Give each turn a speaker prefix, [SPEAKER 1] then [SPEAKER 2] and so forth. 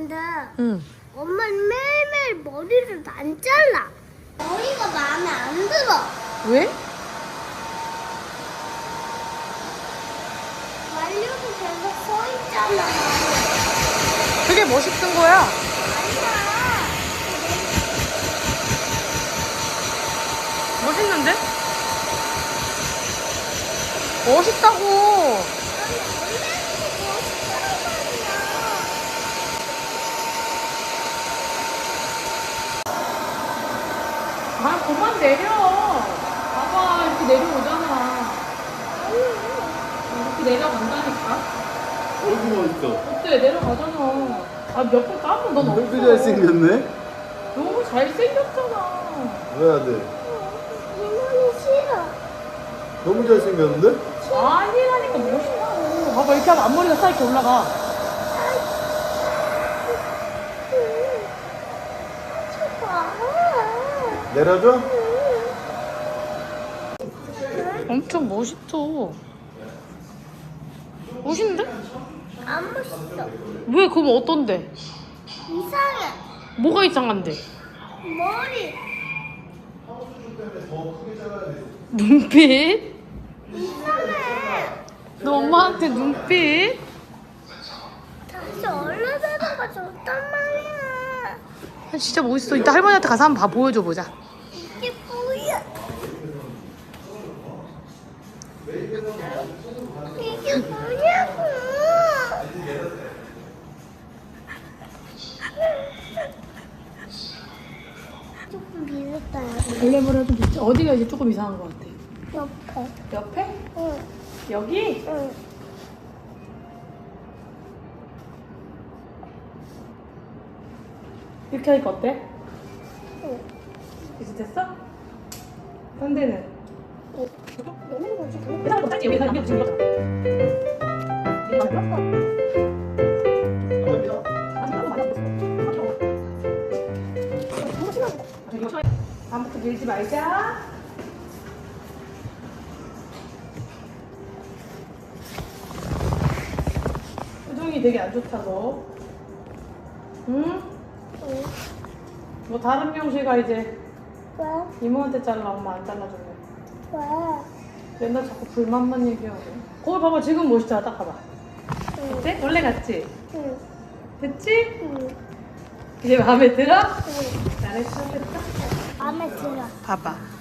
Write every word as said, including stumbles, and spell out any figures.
[SPEAKER 1] 근데
[SPEAKER 2] 응.
[SPEAKER 1] 엄마는 매일매일 머리를 안 잘라. 머리가 마음에 안 들어.
[SPEAKER 2] 왜?
[SPEAKER 1] 말려도 계속 서 있잖아.
[SPEAKER 2] 그게 멋있던 거야.
[SPEAKER 1] 아니야.
[SPEAKER 2] 멋있는데? 멋있다고.
[SPEAKER 1] 아니, 원래는 멋있다는 말이야.
[SPEAKER 2] 아, 그만 내려. 봐봐, 이렇게 내려오잖아. 이렇게 내려간다니까.
[SPEAKER 3] 어디 멋있어?
[SPEAKER 2] 어때? 내려가잖아. 아, 몇 번 까면 넌
[SPEAKER 3] 왜 이렇게
[SPEAKER 2] 없어.
[SPEAKER 3] 잘생겼네?
[SPEAKER 2] 너무 잘생겼잖아.
[SPEAKER 3] 왜 안 돼?
[SPEAKER 1] 이모는 싫어.
[SPEAKER 3] 너무 잘생겼는데?
[SPEAKER 2] 아니라니까 멋있다고. 봐봐, 이렇게 하면 앞머리가 싹 이렇게 올라가.
[SPEAKER 3] 내려줘?
[SPEAKER 2] 엄청 멋있어. 멋있는데?
[SPEAKER 1] 안 멋있어.
[SPEAKER 2] 왜? 그럼 어떤데?
[SPEAKER 1] 이상해.
[SPEAKER 2] 뭐가 이상한데?
[SPEAKER 1] 머리.
[SPEAKER 2] 눈빛?
[SPEAKER 1] 이상해.
[SPEAKER 2] 너 엄마한테 눈빛?
[SPEAKER 1] 다시 얼른하는 거 좋단 말이야.
[SPEAKER 2] 아, 진짜 멋있어. 이따 할머니한테 가서 한번 봐 보여줘 보자.
[SPEAKER 1] 이게 뭐야? 이게 뭐냐고. 조금 비슷해.
[SPEAKER 2] 원래보다 좀 비슷해. 어디가 이제 조금 이상한 것 같아?
[SPEAKER 1] 옆에.
[SPEAKER 2] 옆에?
[SPEAKER 1] 응.
[SPEAKER 2] 여기?
[SPEAKER 1] 응.
[SPEAKER 2] 이렇게 하니까 어때?
[SPEAKER 1] 응.
[SPEAKER 2] 비슷했어? 상대는?
[SPEAKER 1] 응. 얘는 뭐지?
[SPEAKER 2] 회사가 더 짧지? 여기 회사가 지금 이렇게 다음부터 밀지 말자. 표정이 되게 안 좋다 너. 응?
[SPEAKER 1] 응.
[SPEAKER 2] 뭐 다른 명시가 이제
[SPEAKER 1] 왜?
[SPEAKER 2] 이모한테 잘라 엄마 안 잘라줄래.
[SPEAKER 1] 왜?
[SPEAKER 2] 맨날 자꾸 불만만 얘기하고. 거울 봐봐 지금 멋있잖아. 딱 봐봐.
[SPEAKER 1] 응.
[SPEAKER 2] 어때? 원래 같지?
[SPEAKER 1] 응.
[SPEAKER 2] 됐지?
[SPEAKER 1] 응.
[SPEAKER 2] 이제 마음에 들어?
[SPEAKER 1] 응.
[SPEAKER 2] 잘했어 됐다.
[SPEAKER 1] 마음에 들어.
[SPEAKER 2] 봐봐.